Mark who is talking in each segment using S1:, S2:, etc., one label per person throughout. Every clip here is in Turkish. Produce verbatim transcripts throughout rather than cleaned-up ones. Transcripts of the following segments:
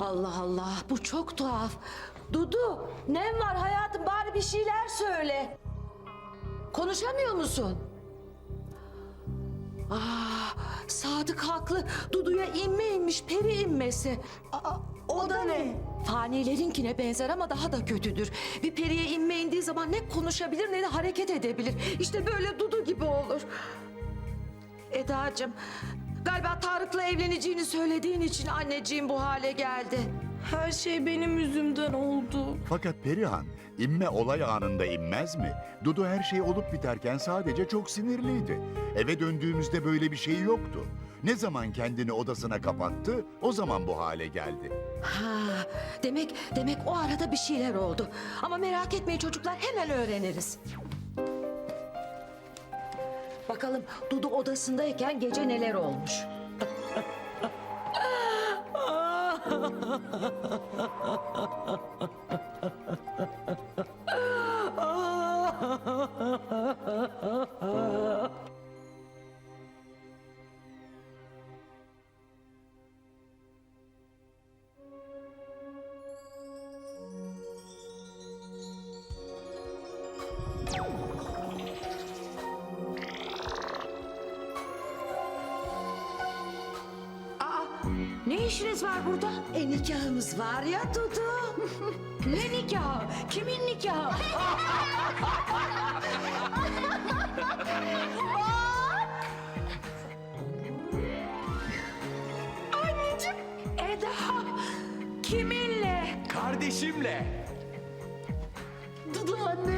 S1: Allah Allah, bu çok tuhaf. Dudu, nem var hayatım, bari bir şeyler söyle. Konuşamıyor musun? Aa, Sadık haklı. Dudu'ya inme inmiş, peri inmesi.
S2: Aa, o da ne?
S1: Fanilerinkine benzer ama daha da kötüdür. Bir periye inme indiği zaman ne konuşabilir ne de hareket edebilir. İşte böyle Dudu gibi olur. Edacığım, galiba Tarık'la evleneceğini söylediğin için anneciğim bu hale geldi.
S2: Her şey benim yüzümden oldu.
S3: Fakat Perihan, inme olay anında inmez mi? Dudu her şey olup biterken sadece çok sinirliydi. Eve döndüğümüzde böyle bir şey yoktu. Ne zaman kendini odasına kapattı, o zaman bu hale geldi.
S1: Ha, demek demek o arada bir şeyler oldu. Ama merak etmeyin çocuklar, hemen öğreniriz. Bakalım Dudu odasındayken gece neler olmuş.
S2: Ne işiniz var burada?
S1: E nikahımız var ya Dudu.
S2: Ne nikahı? Kimin nikahı? Anneciğim, Eda, kiminle?
S4: Kardeşimle.
S2: Dudu anne.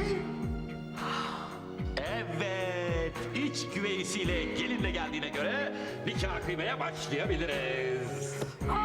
S4: Evet, iç güveysiyle gelinle geldiğine göre nikah kıymaya başlayabiliriz.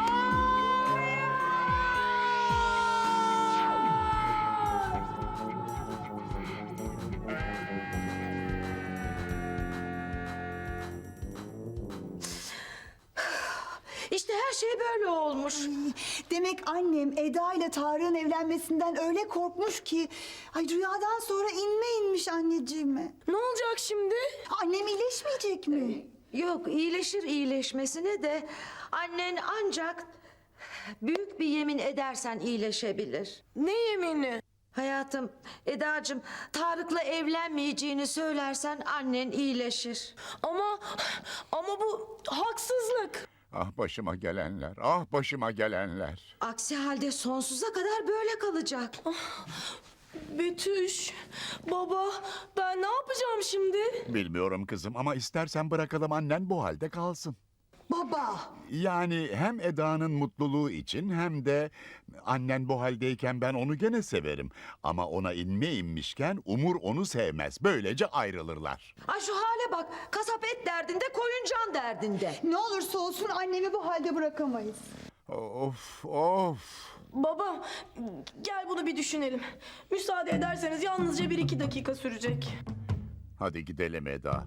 S1: İşte her şey böyle olmuş.
S5: Demek annem Eda ile Tarık'ın evlenmesinden öyle korkmuş ki... Ay rüyadan sonra inme inmiş anneciğime.
S2: Ne olacak şimdi?
S5: Annem iyileşmeyecek mi?
S1: Yok, iyileşir iyileşmesine de annen ancak büyük bir yemin edersen iyileşebilir.
S2: Ne yemini?
S1: Hayatım, Edacığım, Tarık'la evlenmeyeceğini söylersen annen iyileşir.
S2: Ama ama bu haksızlık.
S3: Ah başıma gelenler, ah başıma gelenler.
S1: Aksi halde sonsuza kadar böyle kalacak.
S2: Betüş, baba, ben ne yapacağım şimdi?
S3: Bilmiyorum kızım ama istersen bırakalım annen bu halde kalsın.
S5: Baba.
S3: Yani hem Eda'nın mutluluğu için hem de annen bu haldeyken ben onu gene severim. Ama ona inme inmişken Umur onu sevmez. Böylece ayrılırlar.
S1: Ay şu hale bak, kasap et derdinde, koyun can derdinde.
S5: Ne olursa olsun annemi bu halde bırakamayız.
S3: Of of.
S2: Baba, gel bunu bir düşünelim. Müsaade ederseniz yalnızca bir iki dakika sürecek.
S3: Hadi gidelim Eda.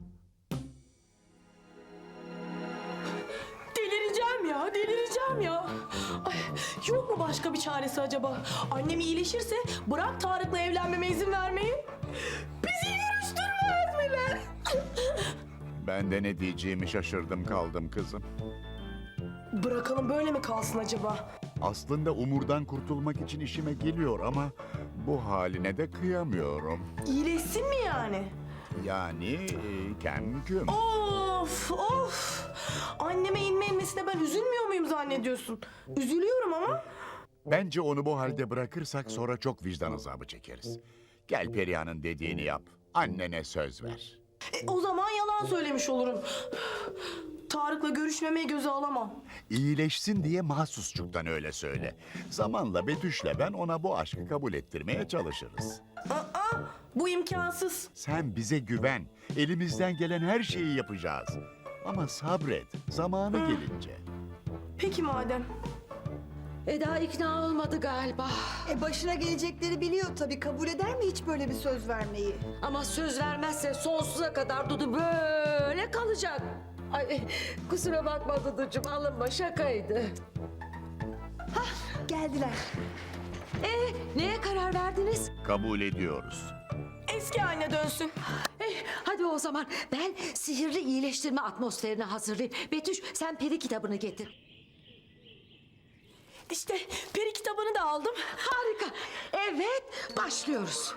S2: Delireceğim ya, delireceğim ya. Ay, yok mu başka bir çaresi acaba? Annem iyileşirse bırak Tarık'la evlenmeme izin vermeyi. Bizi görüştürmez bile.
S3: Ben de ne diyeceğimi şaşırdım kaldım kızım.
S2: Bırakalım böyle mi kalsın acaba?
S3: Aslında Umur'dan kurtulmak için işime geliyor ama bu haline de kıyamıyorum.
S2: İyileşsin mi yani?
S3: Yani e, kem küm.
S2: Of of. Anneme inme inmesine ben üzülmüyor muyum zannediyorsun? Üzülüyorum ama.
S3: Bence onu bu halde bırakırsak sonra çok vicdan azabı çekeriz. Gel Perihan'ın dediğini yap. Annene söz ver.
S2: E, o zaman yalan söylemiş olurum. Tarık'la görüşmemeyi göze alamam.
S3: İyileşsin diye mahsusçuktan öyle söyle. Zamanla Betüş'le ben ona bu aşkı kabul ettirmeye çalışırız.
S2: Aa, bu imkansız.
S3: Sen bize güven. Elimizden gelen her şeyi yapacağız. Ama sabret. Zamanı gelince.
S2: Peki madem.
S1: Eda ikna olmadı galiba.
S5: E başına gelecekleri biliyor tabii. Kabul eder mi hiç böyle bir söz vermeyi?
S1: Ama söz vermezse sonsuza kadar Dudu böyle kalacak. Ay kusura bakma Duducuğum, alınma, şakaydı.
S5: Geldiler.
S1: Ee, neye karar verdiniz?
S3: Kabul ediyoruz.
S2: Eski haline dönsün.
S1: Eh, hadi o zaman ben sihirli iyileştirme atmosferini hazırlayayım. Betüş, sen peri kitabını getir.
S2: İşte peri kitabını da aldım.
S1: Harika. Evet, başlıyoruz.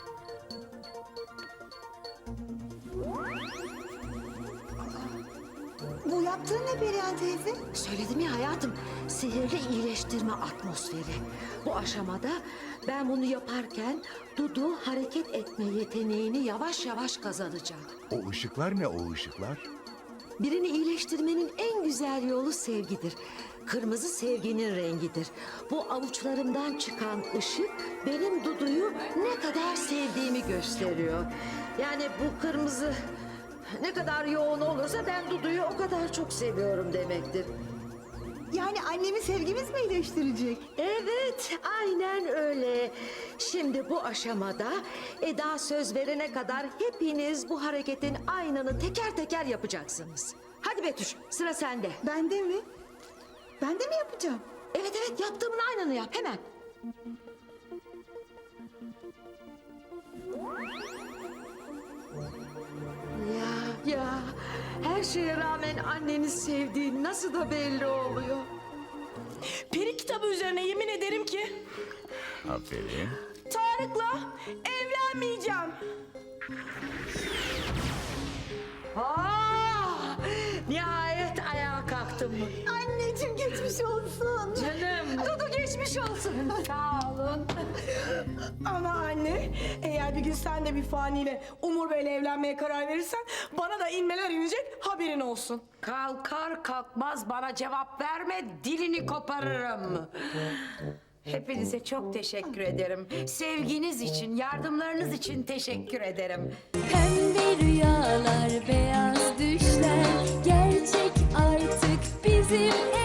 S5: Bu yaptığın ne Perihan teyze?
S1: Söyledim ya hayatım, sihirli iyileştirme atmosferi. Bu aşamada ben bunu yaparken Dudu hareket etme yeteneğini yavaş yavaş kazanacak.
S3: O ışıklar ne o ışıklar?
S1: Birini iyileştirmenin en güzel yolu sevgidir. Kırmızı sevginin rengidir. Bu avuçlarımdan çıkan ışık benim Dudu'yu ne kadar sevdiğimi gösteriyor. Yani bu kırmızı ne kadar yoğun olursa ben Dudu'yu o kadar çok seviyorum demektir.
S5: Yani annemi sevgimiz mi iyileştirecek?
S1: Evet, aynen öyle. Şimdi bu aşamada Eda söz verene kadar hepiniz bu hareketin aynını teker teker yapacaksınız. Hadi Betüş, sıra sende.
S5: Ben de mi? Ben de mi yapacağım?
S1: Evet evet, yaptığımın aynını yap hemen. Ya ya, her şeye rağmen anneni sevdiğin nasıl da belli oluyor.
S2: Peri kitabı üzerine yemin ederim ki
S3: Aferin.
S2: Tarık'la evlenmeyeceğim.
S1: Aa, nihayet ayağa kalktım.
S5: Anneciğim geçmiş olsun.
S1: Canım. Dudu geçmiş olsun. Sağ olun.
S2: Ama anne, eğer bir gün sen de bir faniyle Umur Bey'le evlenmeye karar verirsen bana da inmeler inecek, haberin olsun.
S6: Kalkar kalkmaz bana cevap verme, dilini koparırım. Hepinize çok teşekkür ederim. Sevginiz için, yardımlarınız için teşekkür ederim.
S7: Pembe rüyalar, beyaz düşler gerçek artık bizim